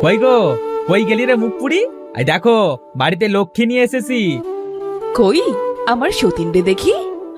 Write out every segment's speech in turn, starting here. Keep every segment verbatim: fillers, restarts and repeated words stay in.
কই গো, কই গেলি রে মুখ পুরি? এই দেখো বাড়িতে লক্ষ্মী নিয়ে এসেছি। কই আমার সতীন রে দেখি।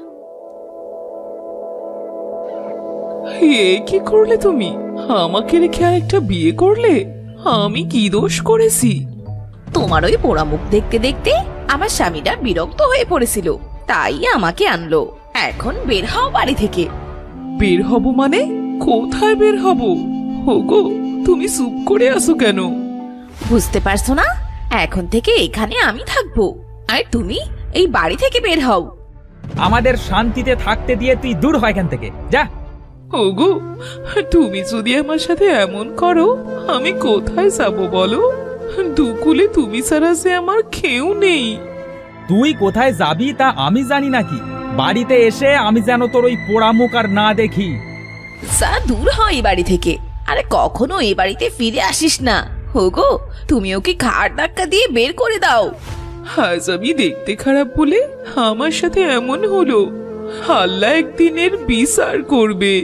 এ কি করলে তুমি? আমাকে রেখে আরেকটা বিয়ে করলে? আমি কি দোষ করেছি? তোমার ওই পোড়া মুখ দেখতে দেখতে আমার স্বামীটা বিরক্ত হয়ে পড়েছিল, তাই আমাকে আনলো। এখন বের হও বাড়ি থেকে। বের হব মানে? কোথায় বের হব? ওগো, তুমি চুপ করে আসো কেন? বুঝতে পারছো না? এখন থেকে এখানে আমি থাকবো, আর তুমি এই বাড়ি থেকে বের হও। আমাদের শান্তিতে থাকতে দিয়ে তুই দূর হয় এখান থেকে, যা। ওগো, তুমি যদি আমার সাথে এমন করো আমি কোথায় যাব বলো? দুকুলে তুমি ছাড়া যে আমার কেউ নেই। তুই কোথায় যাবি তা আমি জানি নাকি? বাড়িতে এসে আমি যেন তোর ওই পোড়া মুখ আর না দেখি। যা দূর হয় এই বাড়ি থেকে, আরে কখনো এই বাড়িতে ফিরে আসিস না। হোগো, তুমি ওকে ঘাড় ধাক্কা দিয়ে বের করে দাও। আজ আমি দেখতে খারাপ বলে আমার সাথে এমন হলো। আল্লাহ একদিনের বিচার করবে।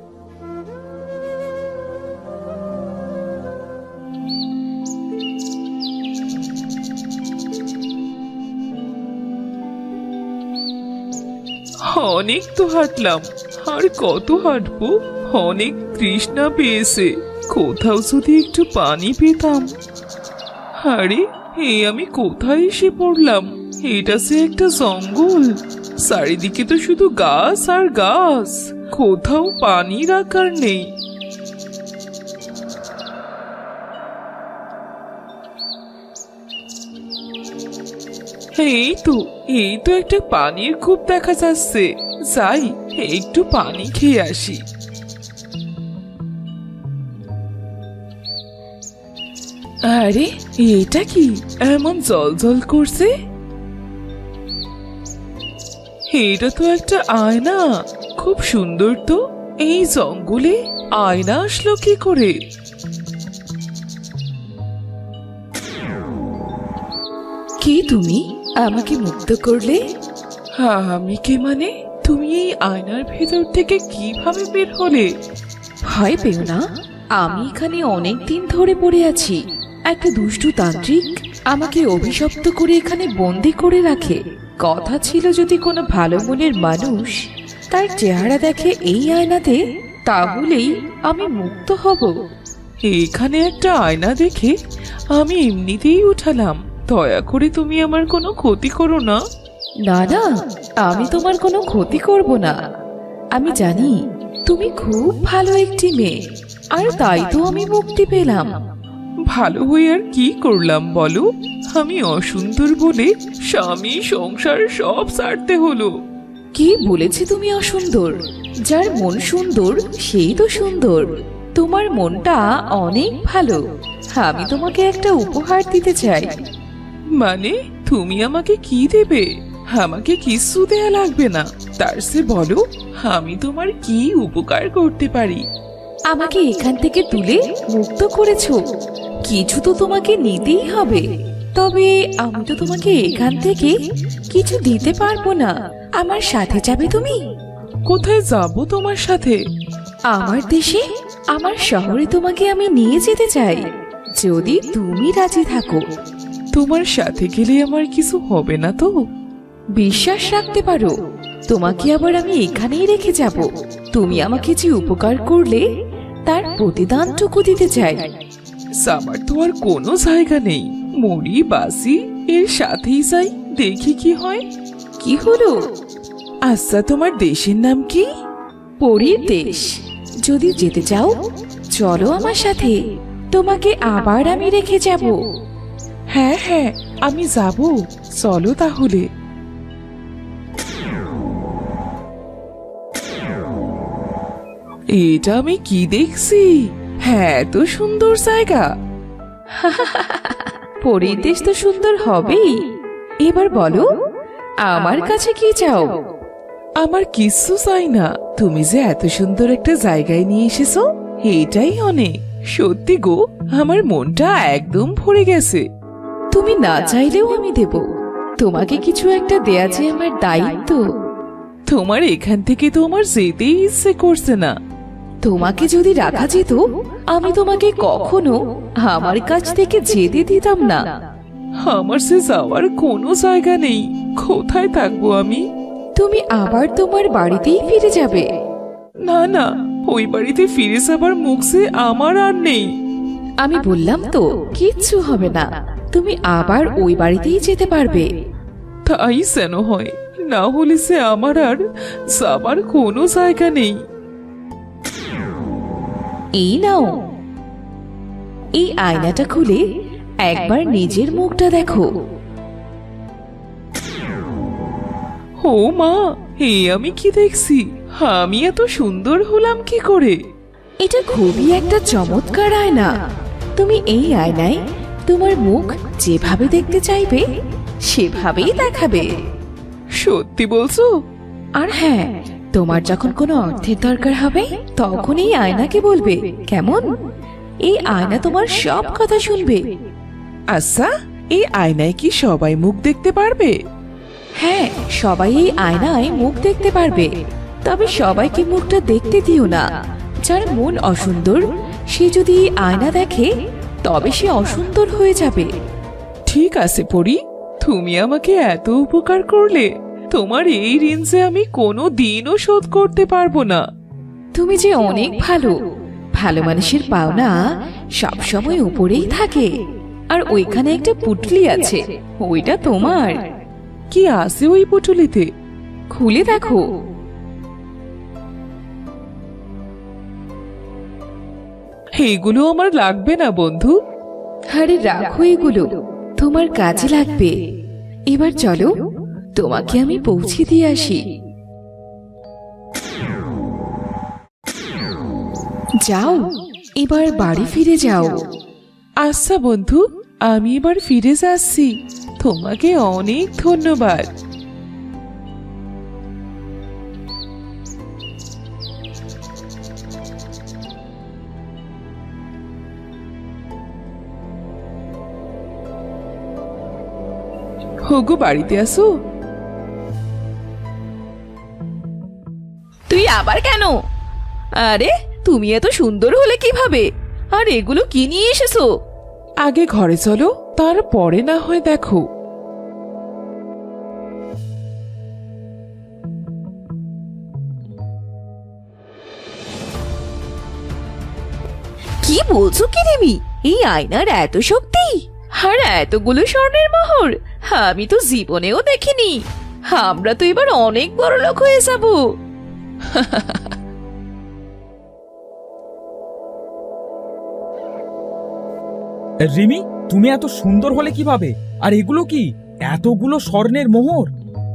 অনেক তো হাঁটলাম, আর কত হাঁটবো? অনেক তৃষ্ণা পেয়েছে, কোথাও যদি একটু পানি পেতাম। আরে, এই আমি কোথায় এসে পড়লাম? এটা সে একটা জঙ্গল, চারিদিকে তো শুধু গাছ আর গাছ, কোথাও পানির আকার নেই। এই তো এই তো একটা পানির কূপ দেখা যাচ্ছে, যাই একটু পানি খেয়ে আসি। আরে, এটা কি এমন জল জল করছে? এটা তো একটা আয়না, খুব সুন্দর তো। এই জঙ্গলে আয়না আসলো কি করে? কি তুমি আমাকে মুক্ত করলে? আমি কে মানে? তুমি এই আয়নার ভেতর থেকে কিভাবে বের হলে? ভয় পেও না, আমি এখানে অনেক দিন ধরে পড়ে আছি। একটা দুষ্টু তান্ত্রিক আমাকে অভিশপ্ত করে এখানে বন্দি করে রাখে। কথা ছিল যদি কোনো ভালো মনের মানুষ তার চেহারা দেখে এই আয়নাতে, তাহলেই আমি মুক্ত হব। এখানে একটা আয়না দেখে আমি এমনিতেই উঠালাম। দয়া করে তুমি আমার কোনো ক্ষতি করো না। না না, আমি তোমার কোনো ক্ষতি করব না। আমি জানি তুমি খুব ভালো একটি মেয়ে, আর তাই তো আমি মুক্তি পেলাম। ভালো হয়ে আর কি করলাম বলো? আমি অসুন্দর বলে স্বামী সংসার সব ছাড়তে হলো। কি বলেছি তুমি অসুন্দর? যার মন সুন্দর সেই তো সুন্দর। তোমার মনটা অনেক ভালো, আমি তোমাকে একটা উপহার দিতে চাই। মানে তুমি আমাকে কি দেবে? আমাকে কিছু দেয়া লাগবে না, তার সে বলো আমি তোমার কি উপকার করতে পারি। আমাকে এখান থেকে তুলে মুক্ত করেছো, কিছু তো তোমাকে নিতেই হবে। তবে আমি তো তোমাকে এখান থেকে কিছু দিতে পারবো না। আমার সাথে যাবে তুমি? কোথায় যাব তোমার সাথে? আমার দেশে, আমার শহরে তোমাকে আমি নিয়ে যেতে চাই, যদি তুমি রাজি থাকো। তোমার সাথে গেলে আমার কিছু হবে না তো? বিশ্বাস রাখতে পারো, তোমাকে আবার আমি এখানেই রেখে যাব। তুমি আমাকে যে উপকার করলে তার প্রতিদানটুকু দিতে চাই। আমার তো আর কোনো জায়গা নেই, মরি বাসি এর সাথেই যাই, দেখি কি হয়। কি হলো? আচ্ছা, তোমার দেশের নাম কি? পরীর দেশ। যদি যেতে চাও চলো আমার সাথে, তোমাকে আবার আমি রেখে যাব। হ্যাঁ হ্যাঁ, আমি যাব, চলো তাহলে। এটা আমি কি দেখছি? হ্যাঁ, এত সুন্দর জায়গা। পরীর দেশ তো সুন্দর হবেই। এবার বলো, আমার কাছে কি চাও? আমার কিচ্ছু চাই না, তুমি যে এত সুন্দর একটা জায়গায় নিয়ে এসেছো এটাই অনেক। সত্যি গো, আমার মনটা একদম ভরে গেছে। তুমি না চাইলেও আমি দেব। তোমাকে কিছু একটা দেয়া যে আমার দায়িত্ব। তোমার এখান থেকে তো আমার যেতেই ইচ্ছে করছে না। তোমাকে যদি রাখা যেত আমি তোমাকে কখনো আমার কাছ থেকে যেতে দিতাম না। আমার সে যাওয়ার কোনো জায়গা নেই। কোথায় থাকবো আমি? তুমি আবার তোমার বাড়িতেই ফিরে যাবে। না না, ওই বাড়িতে ফিরে যাবার মুখ যে আমার আর নেই। আমি বললাম তো কিচ্ছু হবে না, তুমি আবার ওই বাড়িতেই যেতে পারবে। তাই যেন হয়, না হলে সে আমার আর যাবার কোনো জায়গা নেই। এই নাও, এই আয়নাটা খুলে একবার নিজের মুখটা দেখো। ও মা, এ আমি কি দেখছি? আমি এত সুন্দর হলাম কি করে? এটা খুবই একটা চমৎকার আয়না। তুমি এই আয়নায় তোমার মুখ যেভাবে দেখতে চাইবে সেভাবেই দেখাবে। সত্যি বলছো? আর হ্যাঁ, তোমার যখন কোনো অর্থের দরকার হবে তখন এই আয়নাকে বলবে, কেমন? এই আয়না তোমার সব কথা শুনবে। আচ্ছা, এই আয়নায় কি সবাই মুখ দেখতে পারবে? হ্যাঁ, সবাই এই আয়নায় মুখ দেখতে পারবে, তবে সবাইকে মুখটা দেখতে দিও না। যার মন অসুন্দর সে যদি এই আয়না দেখে তবে সে অসুন্দর হয়ে যাবে। ঠিক আছে পরি, তুমি আমাকে এত উপকার করলে, তোমার এই ঋণ যে আমি কোনো দিনও শোধ করতে পারবো না। তুমি যে অনেক ভালো। ভালো মানুষের পাওনা সব সময় উপরেই থাকে। আর ওইখানে একটা পুটলি আছে, ওইটা তোমার। কি আছে ওই পুটুলিতে? খুলে দেখো। এইগুলো আমার লাগবে না বন্ধু। আরে রাখো, এগুলো তোমার কাজে লাগবে। এবার চলো, তোমাকে আমি পৌঁছে দিয়ে আসি। যাও, এবার বাড়ি ফিরে যাও। আচ্ছা বন্ধু, আমি এবার ফিরে যাচ্ছি। তোমাকে অনেক ধন্যবাদ। হোগো, বাড়িতে আসো। তুই আবার কেন? আরে তুমি এত সুন্দর হলে কিভাবে? আর এগুলো কি নিয়ে এসেছো? আগে ঘরে চলো, তারপরে না হয় দেখো। কি বলছো কি রিমি? এই আয়নার এত শক্তি আর এতগুলো স্বর্ণের মোহর আমি তো জীবনেও দেখিনি। আমরা তো এবার অনেক বড় লোক হয়ে যাব। রিমি, তুমি এত সুন্দর হলে কিভাবে? আর এগুলো কি? এতগুলো স্বর্ণের মোহর?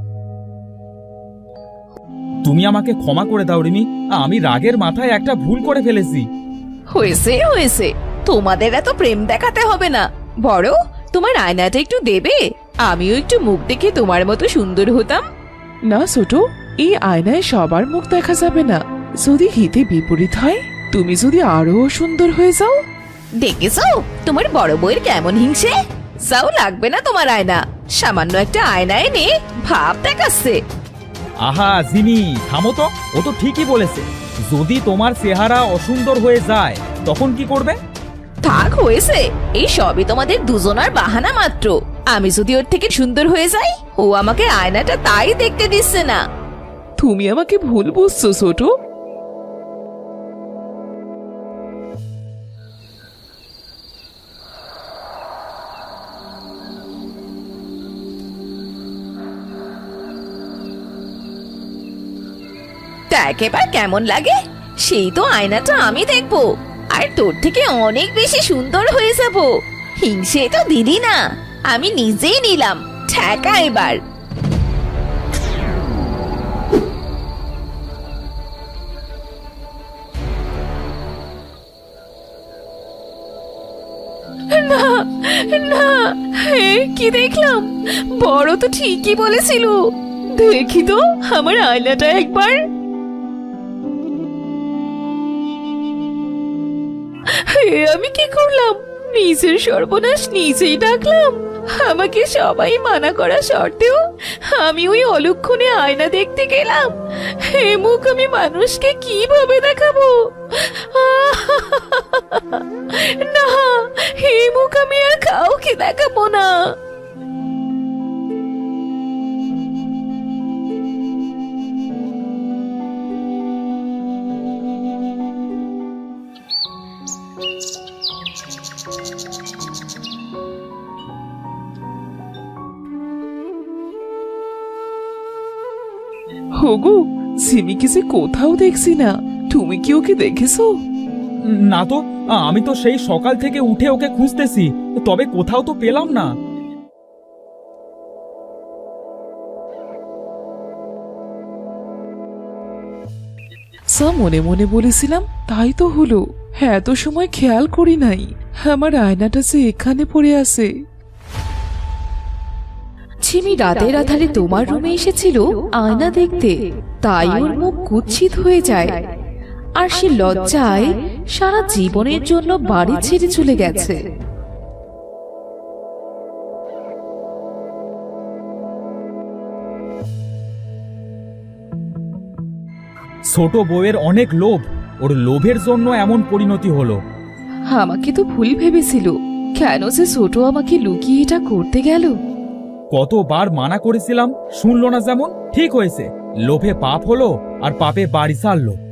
তুমি আমাকে ক্ষমা করে দাও রিমি, আমি রাগের মাথায় একটা ভুল করে ফেলেছি। হয়েছে হয়েছে, তোমাদের এত প্রেম দেখাতে হবে না। বড়, তোমার আয়নাটা একটু দেবে? আমিও একটু মুখ দেখে তোমার মতো সুন্দর হতাম। না ছোট, এই আয়নায় সবার মুখ দেখা যাবে না। যদি হিতে বিপরীত হয়, তুমি যদি আরো সুন্দর হয়ে যাও। দেখেছো তোমার বড় বউয়ের কেমন হিংসে? যাও, লাগবে না তোমার আয়না। সামান্য একটা আয়না এনে ভাব দেখাচ্ছে। আহা জিমি, থামো তো। ও তো ঠিকই বলেছে। যদি তোমার চেহারা অসুন্দর হয়ে যায় তখন কি করবে? থাক, হয়েছে। এই সবই তোমাদের দুজনার বাহানা মাত্র। আমি যদি ওর থেকে সুন্দর হয়ে যাই, ও আমাকে আয়নাটা তাই দেখতে দিচ্ছে না। তুমি আমাকে ভুল বুঝছো ছোট। দেখ এবার কেমন লাগে। সেই তো আয়নাটা আমি দেখবো, আর তোর থেকে অনেক বেশি সুন্দর হয়ে যাব। হিংসে তো দিদি না, আমি নিজেই নিলাম। ঠেকা এবার। না না, হে কি দেখলাম! বড় তো ঠিকই বলেছিল। দেখি তো আমার আয়নাটা একবার। হে আমি কি করলাম? নিজের সর্বনাশ নিজেই ডাকলাম। আমাকে সবাই মানা করা সত্ত্বেও আমি ওই অলক্ষণে আয়না দেখতে গেলাম। এই মুখ আমি মানুষকে কিভাবে দেখাবো? না, এই মুখ আমি আর কাউকে দেখাবো না। হগু, সিমিকে যে কোথাও দেখছি না, তুমি কি ওকে দেখেছো? না তো, আমি তো সেই সকাল থেকে উঠে ওকে খুঁজতেছি, তবে কোথাও তো পেলাম না। সা মনে মনে বলেছিলাম, তাই তো হলো। হ্যাঁ, এত সময় খেয়াল করি নাই আমার আয়নাটা যে এখানে পড়ে আছে। ঝিমি রাতের আধারে তোমার রুমে এসেছিল আয়না দেখতে, তাই ওর মুখ কুৎসিত হয়ে যায় আর সে লজ্জায় সারা জীবনের জন্য বাড়ি ছেড়ে চলে গেছে। ছোট বউয়ের অনেক লোভ, ওর লোভের জন্য এমন পরিণতি হলো। আমাকে তো ভুল ভেবেছিল, কেন যে ছোট আমাকে লুকিয়ে এটা করতে গেল? কতবার মানা করেছিলাম, শুনলো না যেমন। ঠিক হয়েছে, লোভে পাপ হলো আর পাপে বাড়ি ছাড়লো।